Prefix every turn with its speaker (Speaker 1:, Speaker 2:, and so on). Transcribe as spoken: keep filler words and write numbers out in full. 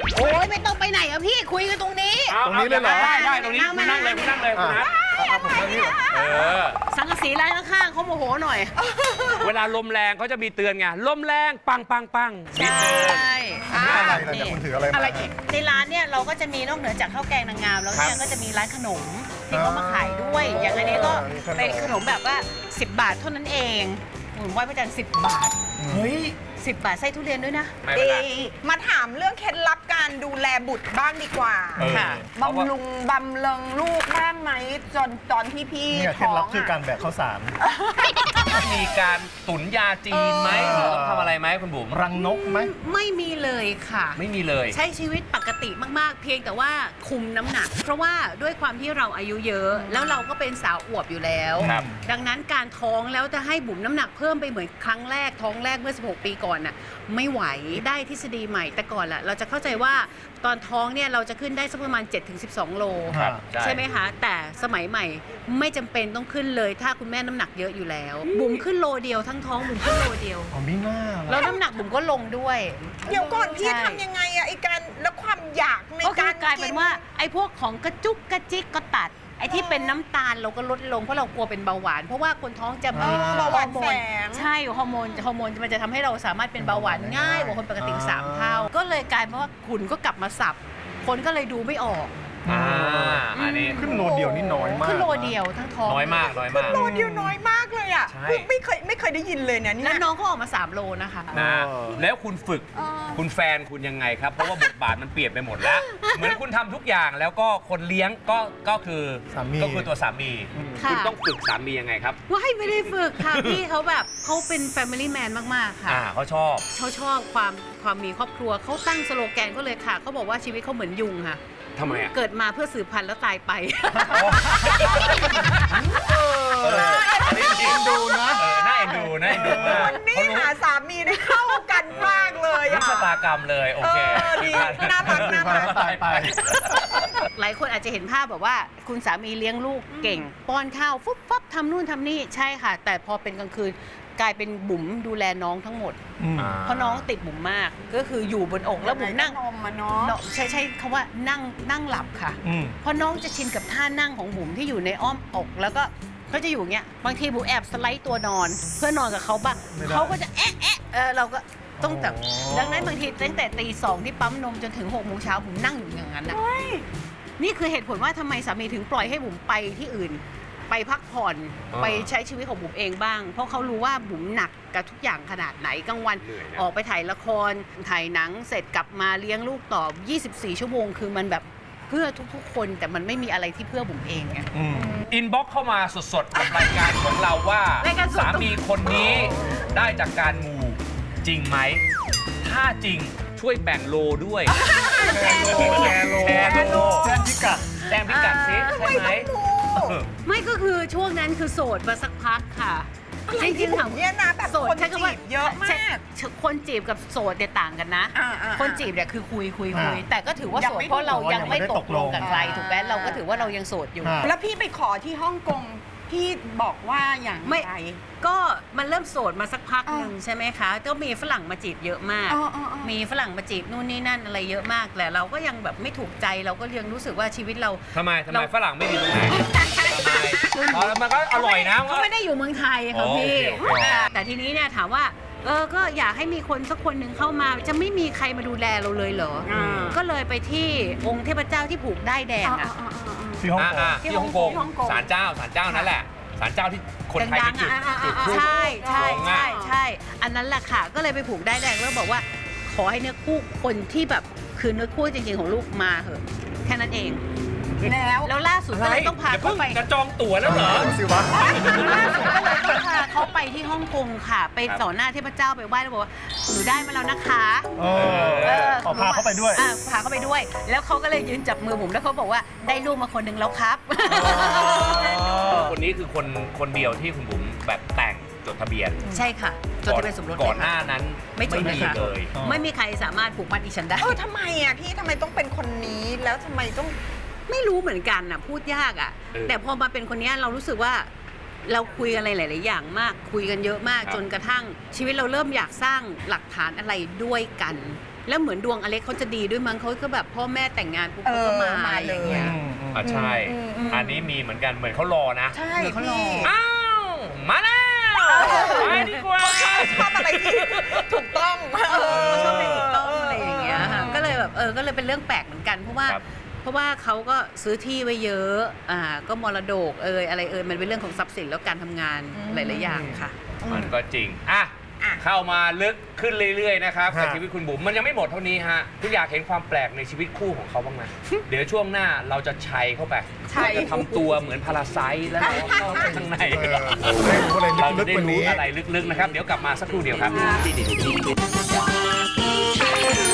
Speaker 1: โอ้ยไม่ต้องไปไหนอะพี่คุยกันตรงนี้
Speaker 2: ตรงนี้เลยเหรอ
Speaker 3: ได้ได้ตรงนี้คุณนั่งเลยคุณนั่งเลยคุณนัท
Speaker 2: ผมนั่งนี่
Speaker 3: เออ
Speaker 1: สังกะสีร้านข้างๆเขาโมโหหน่อย
Speaker 3: เวลาลมแรงเขาจะมีเตือนไงลมแรงปังปังปังนิดนึง
Speaker 2: อะไรนะเนี่ยคุณถืออะไรมา
Speaker 1: อะไรอีกในร้านเนี่ยเราก็จะมีนอกเหนือจากข้าวแกงนางงามแล้วเนี่ยก็จะมีร้านขนมที่เขามาขายด้วย อย่างอันนี้ก็เป็นขนมแบบว่าสิบบาทเท่านั้นเองหมุนไหว้พระจันทร์สิบบาท
Speaker 2: เฮ้ย
Speaker 1: สิบบาทไส้ทุเรียนด้วยนะ
Speaker 3: ไม่เป็นไร
Speaker 4: มาถามเรื่องเคล็ดลับการดูแลบุตรบ้างดีกว่า
Speaker 3: เออ
Speaker 1: ค่ะ
Speaker 3: เพราะว่า
Speaker 4: บำรุงบำเริงลูกบ้างไหมจนตอนที่พี่
Speaker 2: เนี่ยเคล็
Speaker 4: ท้
Speaker 2: ด
Speaker 4: อ
Speaker 2: ลับ
Speaker 4: ง
Speaker 2: คือการ
Speaker 4: อะ
Speaker 2: แบกข้าวสาร
Speaker 3: มีการตุ๋นยาจีนไหมหรือต้องทำอะไรไหมคุณบุ๋ม
Speaker 2: รังนกไหม
Speaker 1: ไม่มีเลยค่ะ
Speaker 3: ไม่มีเลย
Speaker 1: ใช้ชีวิตปกติมาก ๆ เพียงแต่ว่าคุมน้ำหนัก เพราะว่าด้วยความที่เราอายุเยอะ แล้วเราก็เป็นสาวอวบอยู่แล้ว
Speaker 3: ครับ
Speaker 1: ดังนั้นการท้องแล้วจะให้บุ๋มน้ำหนักเพิ่มไปเหมือนครั้งแรกท้องแรกเมื่อสิบหกปีก่อนน่ะไม่ไหวได้ทฤษฎีใหม่แต่ก่อนล่ะเราจะเข้าใจว่าตอนท้องเนี่ยเราจะขึ้นได้สักประมาณ เจ็ดถึงสิบสอง โล
Speaker 3: ครับ
Speaker 1: ใช่ไหมคะแต่สมัยใหม่ไม่จำเป็นต้องขึ้นเลยถ้าคุณแม่น้ำหนักเยอะอยู่แล้ว บุ๋มขึ้นโลเดียวทั้งท้องบุ๋มขึ้นโลเดียว
Speaker 2: อ๋อไม่น่า
Speaker 1: แล้
Speaker 2: ละ
Speaker 1: วน้ำหนักบุ๋มก็ลงด้วย
Speaker 4: เดี๋ยวก่อนพี่
Speaker 1: ใช่
Speaker 4: ทำยังไงอะไอการแล้วความอยากใน
Speaker 1: ก็คื
Speaker 4: กา
Speaker 1: อ
Speaker 4: ร
Speaker 1: กลายเป็นว่าไอ้พวกของกระจุกกระจิกก็ตัด ไอ้ที่เป็นน้ำตาลเราก็ลดลงเพราะเรากลัวเป็นเบาหวาน เพราะว่าคนท้องจะ
Speaker 4: เอ
Speaker 1: มี
Speaker 4: อเบาหวาน
Speaker 1: ฮอร์โม
Speaker 4: แฝ
Speaker 1: น
Speaker 4: ง
Speaker 1: ใช่ฮอร์โมนฮอร์โมนมันจะทำให้เราสามารถเป็นเบาหวานง่ายกว่าคนปกติสามเท่า ก็เลยกลายเป็นว่าขุนก็กลับมาสับ คนก็เลยดูไม่ออก
Speaker 3: อ่าอันนี้
Speaker 2: ขึ้นโลเดียวนี่น้อยมาก
Speaker 1: ขึ้นโลเดียวทั้งท้อง
Speaker 3: น้อยมากน้อยมาก
Speaker 4: โลเดียวน้อยมากเลยอะ
Speaker 3: ใช่
Speaker 4: คือไม่เคยไม่เคยได้ยินเลยนะเนี่
Speaker 1: แล้ว
Speaker 4: ย
Speaker 1: น้องก็ออกมาสามโลนะคะ
Speaker 3: นะ
Speaker 2: เออ
Speaker 3: แล้วคุณฝึก
Speaker 4: เออ
Speaker 3: คุณแฟนคุณยังไงครับ เพราะว่าบทบาทมันเปลี่ยนไปหมดแล้ว เหมือนคุณทำทุกอย่างแล้วก็คนเลี้ยงก็ก็คือ
Speaker 2: สามี
Speaker 3: ก็คือตัวสามี
Speaker 1: ค่ะ
Speaker 3: คุณต้องฝึกสามียังไงครับ
Speaker 1: ว่าให้ไม่ได้ฝึกค่ะ พี่เขาแบบเขาเป็น Family Man มาก ๆ ค่ะ
Speaker 3: อ่าเขาชอบ
Speaker 1: เขาชอบความความมีครอบครัวเขาตั้งสโลแกนก็เลยค่ะเขาบอกว่าชีวิตเขาเหมือนยุงค่ะ
Speaker 3: ทำไมอ่ะ
Speaker 1: เกิดมาเพื่อสืบพันธุ์แล้วตายไป
Speaker 3: เอออันนี้จริง
Speaker 2: ดูนะ
Speaker 3: เออน่าเอ็นดูน่าเอ็นดูมาก
Speaker 4: วันนี้
Speaker 3: เขารู้
Speaker 4: หาสามีได้เข้ากันมากเลย
Speaker 3: รู้
Speaker 4: อะ
Speaker 3: ชะตากรรมเลย โอเค
Speaker 4: เออดีน่ารักน่ารัก
Speaker 2: ตายไป
Speaker 1: หลายคนอาจจะเห็นภาพแบบว่าคุณสามีเลี้ยงลูกเก่ง ป้อนข้าวฟุบฟับทำนู่นทำนี่ใช่ค่ะ แต่พอเป็นกลางคืนกลายเป็นบุ๋มดูแลน้องทั้งหมด
Speaker 2: อืม
Speaker 1: เพราะน้องติดบุ๋มมากก็คืออยู่บนอกแล้วบุ๋มนั่ง
Speaker 4: นมมาเนาะ
Speaker 1: เนาะใช่ใช่คำว่านั่งนั่งหลับค่ะ
Speaker 2: อืม
Speaker 1: เพราะน้องจะชินกับท่านั่งของบุ๋มที่อยู่ในอ้อมอก แล้วก็เขาจะอยู่อย่างเงี้ยบางทีบุ๋มแอบสไลด์ตัวนอน เพื่อนอนกับเขาบ้าง
Speaker 2: ไม่ได้
Speaker 1: เขาก็จะแอะแอะเออเราก็ต้องแต่
Speaker 2: อ๋อ
Speaker 1: ดังนั้นบางทีตั้งแต่ตีสองที่ปั๊มนมจนถึงหกโมงเช้าบุ๋มนั่งอยู่อย่างนั้นนะนี่คือเหตุผลว่าทำไมสามีถึงปล่อยให้บุ๋มไปที่อื่น ไปพักผ่อน
Speaker 3: อ่า
Speaker 1: ไปใช้ชีวิตของบุ๋มเองบ้าง เพราะเขารู้ว่าบุ๋มหนักกับทุกอย่างขนาดไหนกลางวัน
Speaker 3: เหนื่อยนะ
Speaker 1: ออกไปถ่ายละครถ่ายหนังเสร็จกลับมาเลี้ยงลูกต่อ ยี่สิบสี่ ชั่วโมง คือมันแบบเพื่อทุกๆ คนแต่มันไม่มีอะไรที่เพื่อบุ๋มเองไง
Speaker 2: อืม
Speaker 3: อินบ็อกเข้ามาสดๆกับรายการของเราว่าร
Speaker 1: ายการสด
Speaker 3: สามีคนนี้ได้จากการมูจริงไหม ถ้าจริงช่วยแบ่งโลด้วย
Speaker 2: แชร์โลแชร์โล
Speaker 3: แชร์โล
Speaker 2: แจ้งพิกัด
Speaker 3: แจ้งพิกัดซิใช่ไหม
Speaker 1: ไม่ก็คือช่วงนั้นคือโสดมาสักพักค่ะ จริงๆถาม
Speaker 4: เนี่ยนะแบบ
Speaker 1: โสด
Speaker 4: คน
Speaker 1: ใช้คำว่า
Speaker 4: จีบเยอะมาก
Speaker 1: ใช่คนจีบกับโสดเนี่ยต่างกันนะ
Speaker 4: อ่าอ่า
Speaker 1: คนจีบเนี่ยคือคุยคุยคุย
Speaker 2: อ่า
Speaker 1: แต่ก็ถือว่า
Speaker 4: ยัง
Speaker 1: โสด
Speaker 4: ไม่
Speaker 1: เพราะเรายังไม่ตกลงกับใคร
Speaker 4: อ่า
Speaker 1: ถูกไหมเราก็ถือว่าเรายังโสดอยู่
Speaker 2: อ่า
Speaker 4: แล้วพี่ไปขอที่ฮ่องกงพี่บอกว่าอย่าง
Speaker 1: ไม่
Speaker 4: ไร
Speaker 1: ก็มันเริ่มโสดมาสักพัก
Speaker 4: อ่า
Speaker 1: หนึ่งใช่ไหมคะก็มีฝรั่งมาจีบเยอะมาก
Speaker 4: อ๋ออ๋ออ๋อ
Speaker 1: มีฝรั่งมาจีบนู่นนี่นั่นอะไรเยอะมากแต่เราก็ยังแบบไม่ถูกใจเราก็ยังรู้สึกว่าชีวิตเรา
Speaker 3: ทำไมทำไม
Speaker 1: เรา
Speaker 3: ฝรั่งไม่ดีตรงไหนทำไมอ๋อมันก็อร่อยนะ
Speaker 1: เขาไม่ได้อยู่เมืองไทย
Speaker 3: อ๋
Speaker 1: ค่ะ
Speaker 3: อ
Speaker 1: พี่
Speaker 3: โอเคโอเค
Speaker 1: แต่ทีนี้เนี่ยถามว่าเออก็อยากให้มีคนสักคนหนึ่งเข้ามา จะไม่มีใครมาดูแลเราเลยเหรออ
Speaker 4: ม
Speaker 1: ก็เลยไปที่องค์เทพเจ้าที่ผูกได้ายแดง
Speaker 4: อ่า
Speaker 1: อ่ะ
Speaker 4: อ่าอ่าอ่า
Speaker 2: ที่ฮ่องกง
Speaker 3: อ่าๆ
Speaker 1: ที่
Speaker 3: ที่ฮ่องกง
Speaker 4: ที่ฮ่องกง
Speaker 3: ศาลเจ้าศาลเจ้านั่นแหละศาลเจ้าที่คนไทยไปจุด
Speaker 1: ดังๆอ่ะ
Speaker 3: จุดพลุ
Speaker 1: ใช่ใช่
Speaker 3: ลง
Speaker 1: ใช่
Speaker 3: อ่ะ
Speaker 1: ใช่ อันนั้นแหละค่ะ ก็เลยไปผูกได้ายแดงแล้วบอกว่า ขอให้เนื้อคู่คนที่แบบคือเนื้อคู่จริงๆของลูกมาเหอะแค่นั้นเอง
Speaker 4: แล้ว
Speaker 1: แล้วล่าสุดก็เลยต้องพา
Speaker 3: อย่
Speaker 1: เขา
Speaker 3: เพิ่ง
Speaker 1: ไป
Speaker 3: จะจองตั๋วแล้วเหรอ
Speaker 2: สิวะ
Speaker 1: ล่าสุดก็เลยต้องพาเขาไปที่ฮ่องกงค่ะ ไปต่อหน้าเทพเจ้าไปไหว้แล้วบอกว่าหนูได้มาแล้วนะคะ
Speaker 2: เออขอพาเขาไปด้วย
Speaker 1: อ่ะพาเขาไปด้วย แล้วเขาก็เลยยืนจับมือผมแล้วเขาบอกว่าได้ลูกมาคนหนึ่งแล้วครับ
Speaker 3: คนนี้คือคนคนเดียวที่คุณบุ๋มแบบแต่งจดทะเบียน
Speaker 1: ใช่ค่ะจดทะเบียนสมรส
Speaker 3: ก่อน
Speaker 1: เลย
Speaker 3: ห
Speaker 1: ค่ะ
Speaker 3: น้านั้น
Speaker 1: ไม่จด
Speaker 3: มี
Speaker 1: เลยค่ะ
Speaker 3: เลย
Speaker 2: อ๋อ
Speaker 1: ไม่มีใครสามารถผูกมัดดิฉันได้
Speaker 4: เออทำไมอ่ะพี่ทำไมต้องเป็นคนนี้แล้วทำไมต้อง
Speaker 1: ไม่รู้เหมือนกันน่ะพูดยากอ่ะ
Speaker 3: เออ
Speaker 1: แต่พอมาเป็นคนเนี้ยเรารู้สึกว่าเราคุยกันอะไรหลาย ๆ อย่างมาก คุยกันเยอะมาก
Speaker 3: ครับ
Speaker 1: จนกระทั่งชีวิตเราเริ่มอยากสร้างหลักฐานอะไรด้วยกันแล้วเหมือนดวงอเล็กเขาจะดีด้วยมั้งเขาก็แบบพ่อแม่แต่งงานปุ๊บเขาก็มา
Speaker 4: เออมาเลย
Speaker 1: อย่างเงี้ย
Speaker 3: อ่ะใช่
Speaker 4: อืมอืม
Speaker 3: อันนี้มีเหมือนกันเหมือนเขารอนะ
Speaker 4: ใช่
Speaker 1: เดี๋ยวเขารอ
Speaker 4: พี่
Speaker 3: อ้าว มาแล้วไปดีกว่า
Speaker 4: ชอบอะไรที่ถูกต้อง
Speaker 1: เออชอบเป็นถูกต้องอะไรอย่างเงี้ยค่ะก็เลยแบบเออก็เลยเป็นเรื่องแปลกเหมือนกันเพราะว่า
Speaker 3: ครับ
Speaker 1: เพราะว่าเขาก็ซื้อที่ไว้เยอะอ่าก็มรดกเอยอะไรเอยมันเป็นเรื่องของทรัพย์สินแล้วการทำงาน
Speaker 4: อืม
Speaker 1: หลายๆอย่างค่ะ
Speaker 3: มันก็จริง อ่ะ
Speaker 4: อ่ะ
Speaker 3: เข้ามาลึกขึ้นเรื่อย ๆ นะครับ
Speaker 2: ฮะ
Speaker 3: กับชีวิตคุณบุ๋มมันยังไม่หมดเท่านี้ฮะคุณอยากเห็นความแปลกในชีวิตคู่ของเขาบ้างไหม เดี๋ยวช่วงหน้าเราจะชัยเข้าไป
Speaker 4: ชัย
Speaker 3: เราจะทำตัวเหมือนพาราไซต์แล้วเราเข้าไปข้างใน
Speaker 2: เออได้รู้อะไร
Speaker 3: เรา
Speaker 2: ลึ
Speaker 3: จะ
Speaker 2: ก
Speaker 3: ได้
Speaker 2: ๆกว่า
Speaker 3: รู้
Speaker 2: นี้
Speaker 3: อะไรลึก ๆ นะครับ เดี๋ยวกลับมาสักครู่เดียวครับ